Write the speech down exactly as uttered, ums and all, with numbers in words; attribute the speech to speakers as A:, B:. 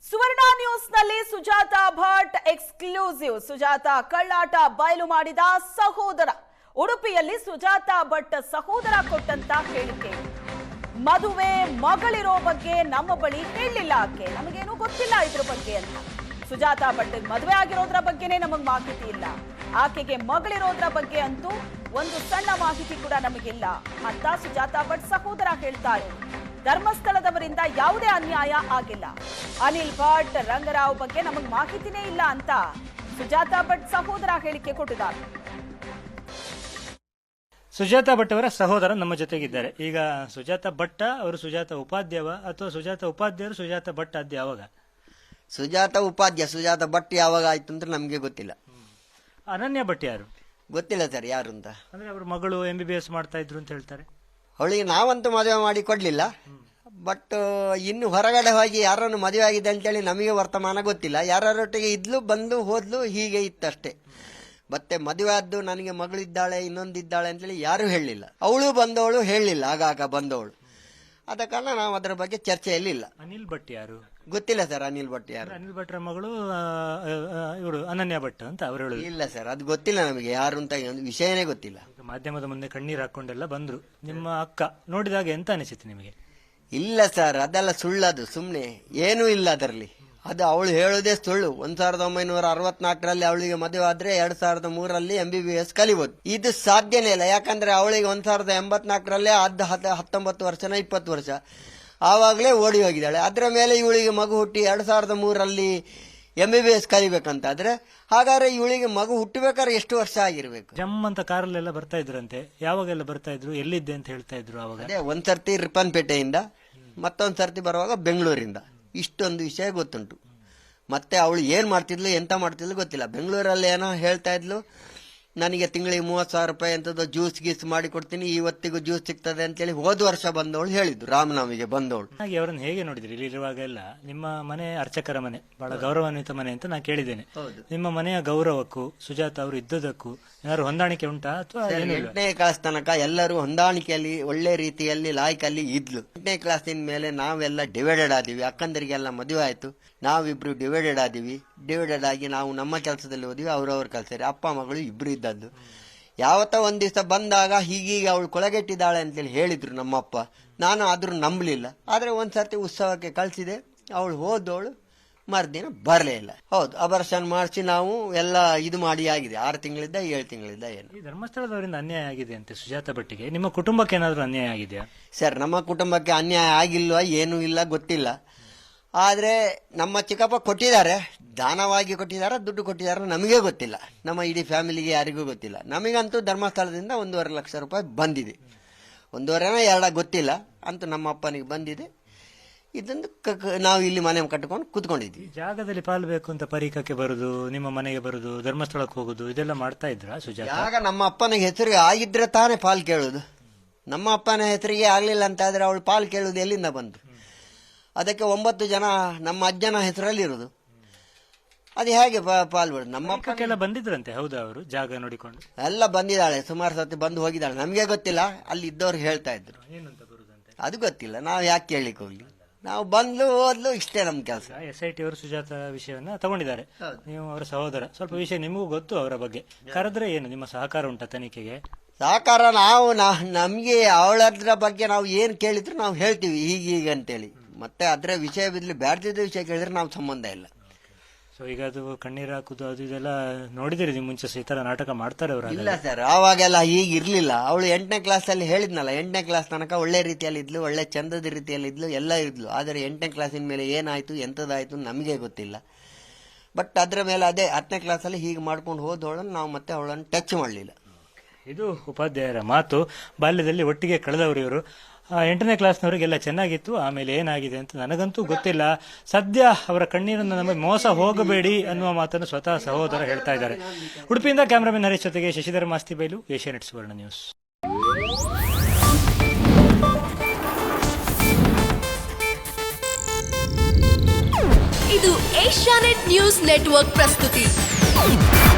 A: ಸುವರ್ಣ ನ್ಯೂಸ್ನಲ್ಲಿ ಸುಜಾತಾ ಭಟ್ ಎಕ್ಸ್ಕ್ಲೂಸಿವ್. ಸುಜಾತಾ ಕಳ್ಳಾಟ ಬಯಲು ಮಾಡಿದ ಸಹೋದರ. ಉಡುಪಿಯಲ್ಲಿ ಸುಜಾತಾ ಭಟ್ ಸಹೋದರ ಕೊಟ್ಟಂತ ಹೇಳಿಕೆ. ಮದುವೆ ಮಗಳಿರೋ ಬಗ್ಗೆ ನಮ್ಮ ಬಳಿ ಹೇಳಿಲ್ಲ, ಆಕೆ ನಮಗೇನು ಗೊತ್ತಿಲ್ಲ ಇದ್ರ ಬಗ್ಗೆ ಅಂತ. ಸುಜಾತಾ ಭಟ್ ಮದುವೆ ಆಗಿರೋದ್ರ ಬಗ್ಗೆನೇ ನಮಗೆ ಮಾಹಿತಿ ಇಲ್ಲ, ಆಕೆಗೆ ಮಗಳಿರೋದ್ರ ಬಗ್ಗೆ ಅಂತೂ ಒಂದು ಸಣ್ಣ ಮಾಹಿತಿ ಕೂಡ ನಮಗಿಲ್ಲ ಅಂತ ಸುಜಾತಾ ಭಟ್ ಸಹೋದರ ಹೇಳ್ತಾರೆ. ಧರ್ಮಸ್ಥಳದವರಿಂದ ಯಾವುದೇ ಅನ್ಯಾಯ ಆಗಿಲ್ಲ, ಅನಿಲ್ ಭಟ್ ರಂಗರಾವ್ ಬಗ್ಗೆ ನಮಗೆ ಮಾಹಿತಿನೇ ಇಲ್ಲ ಅಂತ ಸುಜಾತಾ ಭಟ್ ಸಹೋದರ ಹೇಳಿಕೆ ಕೊಟ್ಟಿದ್ದಾರೆ.
B: ಸುಜಾತಾ ಭಟ್ ಅವರ ಸಹೋದರ ನಮ್ಮ ಜೊತೆಗಿದ್ದಾರೆ. ಈಗ ಸುಜಾತಾ ಭಟ್ ಅವರು ಸುಜಾತಾ ಉಪಾಧ್ಯಾಯ ಅಥವಾ ಸುಜಾತಾ ಉಪಾಧ್ಯಾಯರು ಸುಜಾತಾ ಭಟ್ ಆದ್ಯ ಯಾವಾಗ?
C: ಸುಜಾತಾ ಉಪಾಧ್ಯಾಯ. ಸುಜಾತಾ ಭಟ್ ಯಾವಾಗ ಆಯ್ತು ಅಂತ ನಮ್ಗೆ ಗೊತ್ತಿಲ್ಲ.
B: ಅನನ್ಯ ಭಟ್ ಯಾರು
C: ಗೊತ್ತಿಲ್ಲ ಸರ್ ಯಾರು ಅಂತ.
B: ಅಂದ್ರೆ ಅವ್ರ ಮಗಳು ಎಂ ಬಿ ಬಿ ಎಸ್ ಮಾಡ್ತಾ ಇದ್ರು ಅಂತ ಹೇಳ್ತಾರೆ.
C: ಅವಳಿಗೆ ನಾವಂತೂ ಮದುವೆ ಮಾಡಿ ಕೊಡ್ಲಿಲ್ಲ. ಬಟ್ ಇನ್ನು ಹೊರಗಡೆ ಹೋಗಿ ಯಾರನ್ನು ಮದುವೆ ಆಗಿದೆ ಅಂತೇಳಿ ನಮಗೆ ವರ್ತಮಾನ ಗೊತ್ತಿಲ್ಲ. ಯಾರೊಟ್ಟಿಗೆ ಇದ್ಲು ಬಂದು ಹೋದ್ಲು ಹೀಗೆ ಇತ್ತಷ್ಟೇ. ಮತ್ತೆ ಮದುವೆ ಆದ್ದು ನನಗೆ ಮಗಳಿದ್ದಾಳೆ ಇನ್ನೊಂದಿದ್ದಾಳೆ ಅಂತೇಳಿ ಯಾರು ಹೇಳಲಿಲ್ಲ. ಅವಳು ಬಂದವಳು ಹೇಳಲಿಲ್ಲ, ಆಗಾಗ ಬಂದವಳು. ಆದ ಕಾರಣ ನಾವು ಅದರ ಬಗ್ಗೆ ಚರ್ಚೆಯಲ್ಲಿ ಇಲ್ಲ.
B: ಅನಿಲ್ ಭಟ್ ಯಾರು
C: ಗೊತ್ತಿಲ್ಲ ಸರ್. ಅನಿಲ್ ಭಟ್ ಯಾರು?
B: ಅನಿಲ್ ಭಟ್ರ ಮಗಳು ಇವರು ಅನನ್ಯ ಭಟ್ ಅಂತ ಅವರು ಹೇಳುದು.
C: ಇಲ್ಲ ಸರ್, ಅದು ಗೊತ್ತಿಲ್ಲ ನಮಗೆ ಯಾರು ಅಂತ ಒಂದು ವಿಷಯನೇ ಗೊತ್ತಿಲ್ಲ.
B: ಮಾಧ್ಯಮದ ಮುಂದೆ ಕಣ್ಣೀರು ಹಾಕೊಂಡೆಲ್ಲ ಬಂದ್ರು. ನಿಮ್ಮ ಅಕ್ಕ ನೋಡಿದಾಗ ಎಂತ ಅನಿಸಿತು ನಿಮಗೆ?
C: ಇಲ್ಲ ಸರ್, ಅದೆಲ್ಲ ಸುಳ್ಳದು, ಸುಮ್ಮನೆ ಏನೂ ಇಲ್ಲ ಅದರಲ್ಲಿ. ಅದು ಅವಳು ಹೇಳೋದೇ ಸುಳ್ಳು. ಒಂದ್ ಸಾವಿರದ ಒಂಬೈನೂರ ಅರವತ್ನಾಲ್ಕರಲ್ಲಿ ಅವಳಿಗೆ ಮದುವೆ ಆದ್ರೆ ಎರಡ್ ಸಾವಿರದ ಮೂರರಲ್ಲಿ ಎಂ ಬಿ ಬಿ ಎಸ್ ಕಲಿಬಹುದು. ಇದು ಸಾಧ್ಯನೇ ಇಲ್ಲ. ಯಾಕಂದ್ರೆ ಅವಳಿಗೆ ಒಂದ್ ಸಾವಿರದ ಎಂಬತ್ನಾಲ್ಕರಲ್ಲೇ ಅದ್ ಹತ್ತೊಂಬತ್ತು ವರ್ಷನ ಇಪ್ಪತ್ತು ವರ್ಷ ಆವಾಗಲೇ ಓಡಿ ಹೋಗಿದ್ದಾಳೆ. ಅದರ ಮೇಲೆ ಇವಳಿಗೆ ಮಗು ಹುಟ್ಟಿ ಎರಡ್ ಸಾವಿರದ ಮೂರರಲ್ಲಿ ಎಂ ಬಿ ಬಿ ಎಸ್ ಕಲಿಬೇಕಂತಾದ್ರೆ ಹಾಗಾದ್ರೆ ಇವಳಿಗೆ ಮಗು ಹುಟ್ಟಬೇಕಾದ್ರೆ ಎಷ್ಟು ವರ್ಷ ಆಗಿರ್ಬೇಕು?
B: ಜಮ್ ಅಂತ ಕಾರಲ್ಲೆಲ್ಲ ಬರ್ತಾ ಇದ್ರಂತೆ. ಯಾವಾಗೆಲ್ಲ ಬರ್ತಾ ಇದ್ರು, ಎಲ್ಲಿದ್ದೆ ಅಂತ ಹೇಳ್ತಾ ಇದ್ರು ಅವಾಗ?
C: ಅದೇ ಒಂದ್ ಸರ್ತಿ ರಿಪ್ಪನ್ಪೇಟೆಯಿಂದ, ಮತ್ತೊಂದ್ ಸರ್ತಿ ಬರುವಾಗ ಬೆಂಗಳೂರಿಂದ. ಇಷ್ಟೊಂದು ವಿಷಯ ಗೊತ್ತುಂಟು. ಮತ್ತೆ ಅವಳು ಏನ್ ಮಾಡ್ತಿದ್ಲು ಎಂತ ಮಾಡ್ತಿದ್ಲು ಗೊತ್ತಿಲ್ಲ. ಬೆಂಗಳೂರಲ್ಲಿ ಏನೋ ಹೇಳ್ತಾ ಇದ್ಲು, ನನಗೆ ತಿಂಗಳಿಗೆ ಮೂವತ್ ಸಾವಿರ ರೂಪಾಯಿ ಅಂತದ್ದು ಜ್ಯೂಸ್ ಗೀಸ್ ಮಾಡಿ ಕೊಡ್ತೀನಿ, ಇವತ್ತಿಗೂ ಜ್ಯೂಸ್ ಸಿಗ್ತದೆ ಅಂತೇಳಿ ಹೋದ ವರ್ಷ ಬಂದವಳು ಹೇಳಿದ್ದು. ರಾಮನವಮಿಗೆ ಬಂದವಳು.
B: ಹಾಗೆ ಅವರನ್ನು ಹೇಗೆ ನೋಡಿದ್ರಿ? ಇಲ್ಲಿರುವಾಗ ಎಲ್ಲ ನಿಮ್ಮ ಮನೆ ಅರ್ಚಕರ ಮನೆ, ಬಹಳ ಗೌರವಾನ್ವಿತ ಮನೆ ಅಂತ ನಾನು ಕೇಳಿದ್ದೇನೆ. ನಿಮ್ಮ ಮನೆಯ ಗೌರವಕ್ಕೂ ಸುಜಾತ ಅವರು ಇದ್ದದಕ್ಕೂ ಏನಾದ್ರು ಹೊಂದಾಣಿಕೆ ಉಂಟಾ ಅಥವಾ
C: ಎಂಟನೇ ಕ್ಲಾಸ್ ತನಕ ಎಲ್ಲರೂ ಹೊಂದಾಣಿಕೆಯಲ್ಲಿ ಒಳ್ಳೆ ರೀತಿಯಲ್ಲಿ ಲಾಯ್ಕಲ್ಲಿ ಇದ್ಲು. ಎಂಟನೇ ಕ್ಲಾಸಿನ ಮೇಲೆ ನಾವೆಲ್ಲ ಡಿವೈಡೆಡ್ ಆದಿವಿ. ಅಕ್ಕಂದರಿಗೆಲ್ಲ ಮದುವೆ ಆಯ್ತು, ನಾವಿಬ್ರು ಡಿವೈಡೆಡ್ ಆದಿವಿ. ಡಿವೈಡೆಡ್ ಆಗಿ ನಾವು ನಮ್ಮ ಕೆಲಸದಲ್ಲಿ ಹೋದ್ವಿ, ಅವ್ರವ್ರ ಕೆಲಸ. ಅಪ್ಪ ಮಗಳು ಇಬ್ರು ಇದ್ದದ್ದು. ಯಾವತ್ತ ಒಂದ್ ದಿವಸ ಬಂದಾಗ ಹೀಗೀಗ ಅವಳು ಕೊಳಗೆಟ್ಟಿದ್ದಾಳೆ ಅಂತೇಳಿ ಹೇಳಿದ್ರು ನಮ್ಮಪ್ಪ. ನಾನು ಆದ್ರೂ ನಂಬಲಿಲ್ಲ. ಆದ್ರೆ ಒಂದ್ಸರ್ತಿ ಉತ್ಸವಕ್ಕೆ ಕಳ್ಸಿದೆ, ಅವಳು ಹೋದವಳು ಮರ್ದಿನ ಬರಲೇ ಇಲ್ಲ. ಹೌದು, ಅಬರ್ಷನ್ ಮಾಡಿಸಿ ನಾವು ಎಲ್ಲ ಇದು ಮಾಡಿ ಆಗಿದೆ. ಆರು ತಿಂಗಳಿದ್ದ ಏಳು ತಿಂಗಳಿದ್ದ ಏನು.
B: ಈ ಧರ್ಮಸ್ಥಳದವರಿಂದ ಅನ್ಯಾಯ ಆಗಿದೆ ಅಂತೆ ಸುಜಾತ ಭಟ್ಟಿಗೆ. ನಿಮ್ಮ ಕುಟುಂಬಕ್ಕೆ ಏನಾದ್ರು ಅನ್ಯಾಯ ಆಗಿದೆಯಾ?
C: ಸರ್, ನಮ್ಮ ಕುಟುಂಬಕ್ಕೆ ಅನ್ಯಾಯ ಆಗಿಲ್ವಾ ಏನೂ ಇಲ್ಲ, ಗೊತ್ತಿಲ್ಲ. ಆದ್ರೆ ನಮ್ಮ ಚಿಕ್ಕಪ್ಪ ಕೊಟ್ಟಿದ್ದಾರೆ, ದಾನವಾಗಿ ಕೊಟ್ಟಿದ್ದಾರೆ, ದುಡ್ಡು ಕೊಟ್ಟಿದ್ದಾರೆ, ನಮಗೆ ಗೊತ್ತಿಲ್ಲ. ನಮ್ಮ ಇಡೀ ಫ್ಯಾಮಿಲಿಗೆ ಯಾರಿಗೂ ಗೊತ್ತಿಲ್ಲ. ನಮಗಂತೂ ಧರ್ಮಸ್ಥಳದಿಂದ ಒಂದೂವರೆ ಲಕ್ಷ ರೂಪಾಯಿ ಬಂದಿದೆ. ಒಂದೂವರೆನ ಎರಡ ಗೊತ್ತಿಲ್ಲ, ಅಂತೂ ನಮ್ಮ ಅಪ್ಪನಿಗೆ ಬಂದಿದೆ. ಇದೊಂದು ನಾವು ಇಲ್ಲಿ ಮನೆ ಕಟ್ಕೊಂಡು ಕೂತ್ಕೊಂಡಿದ್ವಿ.
B: ಜಾಗದಲ್ಲಿ ಪಾಲು ಬೇಕು ಅಂತ ಪರೀಕ್ಷಕ್ಕೆ ಬರುದು, ನಿಮ್ಮ ಮನೆಗೆ ಬರುದು, ಧರ್ಮಸ್ಥಳಕ್ಕೆ ಹೋಗುದು, ಇದೆಲ್ಲ ಮಾಡ್ತಾ ಇದ್ರ ಸುಜಾತ?
C: ಆಗ ನಮ್ಮ ಅಪ್ಪನಿಗೆ ಹೆಸರಿಗೆ ಆಗಿದ್ರೆ ತಾನೇ ಪಾಲ್ ಕೇಳುದು. ನಮ್ಮ ಅಪ್ಪನ ಹೆಸರಿಗೆ ಆಗ್ಲಿಲ್ಲ ಅಂತ ಆದ್ರೆ ಅವಳು ಪಾಲ್ ಕೇಳುದು ಎಲ್ಲಿಂದ ಬಂತು? ಅದಕ್ಕೆ ಒಂಬತ್ತು ಜನ ನಮ್ಮ ಅಜ್ಜನ ಹೆಸರಲ್ಲಿ ಇರುದು. ಅದು ಹೇಗೆ ಪಾಲ್ ಬಿಡುದು? ನಮ್ಮ
B: ಅಪ್ಪಕ್ಕೆಲ್ಲ ಬಂದಿದ್ರಂತೆ. ಹೌದಾ? ಅವರು ಜಾಗ ನೋಡಿಕೊಂಡು
C: ಎಲ್ಲ ಬಂದಿದ್ದಾಳೆ, ಸುಮಾರು ಸತಿ ಬಂದು ಹೋಗಿದ್ದಾಳೆ. ನಮ್ಗೆ ಗೊತ್ತಿಲ್ಲ, ಅಲ್ಲಿ ಇದ್ದವ್ರು ಹೇಳ್ತಾ ಇದ್ರು.
B: ಏನಂತ ಬರುದಂತೆ
C: ಅದು ಗೊತ್ತಿಲ್ಲ, ನಾವು ಯಾಕೆ ಕೇಳಲಿಕ್ಕೆ ಹೋಗ್ಲಿ. ನಾವು ಬಂದ್ಲು ಹೋದ್ಲು, ಇಷ್ಟೇ ನಮ್ ಕೆಲಸ.
B: ಎಸ್ ಐ ಟಿ ಅವರು ಸುಜಾತ ವಿಷಯವನ್ನ ತಗೊಂಡಿದ್ದಾರೆ. ನೀವು ಅವರ ಸಹೋದರ, ಸ್ವಲ್ಪ ವಿಷಯ ನಿಮಗೂ ಗೊತ್ತು ಅವರ ಬಗ್ಗೆ. ಕರೆದ್ರೆ ಏನು ನಿಮ್ಮ ಸಹಕಾರ ಉಂಟಾ ತನಿಖೆಗೆ?
C: ಸಹಕಾರ ನಾವು ನಮ್ಗೆ ಅವಳದ್ರ ಬಗ್ಗೆ ನಾವು ಏನ್ ಕೇಳಿದ್ರು ನಾವು ಹೇಳ್ತೀವಿ ಹೀಗೀಗ ಅಂತೇಳಿ. ಮತ್ತೆ ಅದ್ರ ವಿಷಯ ಬಿದ್ಲಿ ಬ್ಯಾಡ್ದಿದ್ದ ವಿಷಯ ಕೇಳಿದ್ರೆ ನಾವು ಸಂಬಂಧ ಇಲ್ಲ.
B: ಸೊ ಈಗ ಅದು ಕಣ್ಣೀರು ಹಾಕುದು ಅದು ಇದೆಲ್ಲ ನೋಡಿದಿರಿ ನೀವು ಮುಂಚೆ ಈ ತರ ನಾಟಕ ಮಾಡ್ತಾರೆ ಅವರು?
C: ಇಲ್ಲ ಸರ್, ಆವಾಗೆಲ್ಲ ಹೀಗೆ ಇರ್ಲಿಲ್ಲ. ಅವಳು ಎಂಟನೇ ಕ್ಲಾಸ್ ಅಲ್ಲಿ ಹೇಳಿದ್ನಲ್ಲ, ಎಂಟನೇ ಕ್ಲಾಸ್ ತನಕ ಒಳ್ಳೆ ರೀತಿಯಲ್ಲಿ ಇದ್ಲು, ಒಳ್ಳೆ ಚಂದದ ರೀತಿಯಲ್ಲಿ ಇದ್ಲು, ಎಲ್ಲ ಇದ್ಲು. ಆದರೆ ಎಂಟನೇ ಕ್ಲಾಸಿನ ಮೇಲೆ ಏನಾಯ್ತು ಎಂತದಾಯ್ತು ನಮಗೆ ಗೊತ್ತಿಲ್ಲ. ಬಟ್ ಅದ್ರ ಮೇಲೆ ಅದೇ ಹತ್ತನೇ ಕ್ಲಾಸ್ ಅಲ್ಲಿ ಹೀಗೆ ಮಾಡ್ಕೊಂಡು ಹೋದವಳನ್ನು ನಾವು ಮತ್ತೆ ಅವಳನ್ನು ಟಚ್ ಮಾಡಲಿಲ್ಲ.
B: ಇದು ಉಪಾಧ್ಯಾಯರ ಮಾತು. ಬಾಲ್ಯದಲ್ಲಿ ಒಟ್ಟಿಗೆ ಕಳೆದವರು ಇವರು. ಎಂಟನೇ ಕ್ಲಾಸ್ನವರಿಗೆಲ್ಲ ಚೆನ್ನಾಗಿತ್ತು, ಆಮೇಲೆ ಏನಾಗಿದೆ ಅಂತ ನನಗಂತೂ ಗೊತ್ತಿಲ್ಲ. ಸದ್ಯ ಅವರ ಕಣ್ಣೀರನ್ನು ನಮಗೆ ಮೋಸ ಹೋಗಬೇಡಿ ಅನ್ನುವ ಮಾತನ್ನು ಸ್ವತಃ ಸಹೋದರ ಹೇಳ್ತಾ ಇದ್ದಾರೆ. ಉಡುಪಿಯಿಂದ ಕ್ಯಾಮರಾಮನ್ ಹರೀಶ್ ಜೊತೆಗೆ ಶಶಿಧರ ಮಾಸ್ತಿ ಬೈಲು, ಏಷ್ಯಾನೆಟ್ ಸುವರ್ಣ ನ್ಯೂಸ್.
D: ಇದು ಏಷ್ಯಾನೆಟ್ ನ್ಯೂಸ್ ನೆಟ್ವರ್ಕ್ ಪ್ರಸ್ತುತಿ.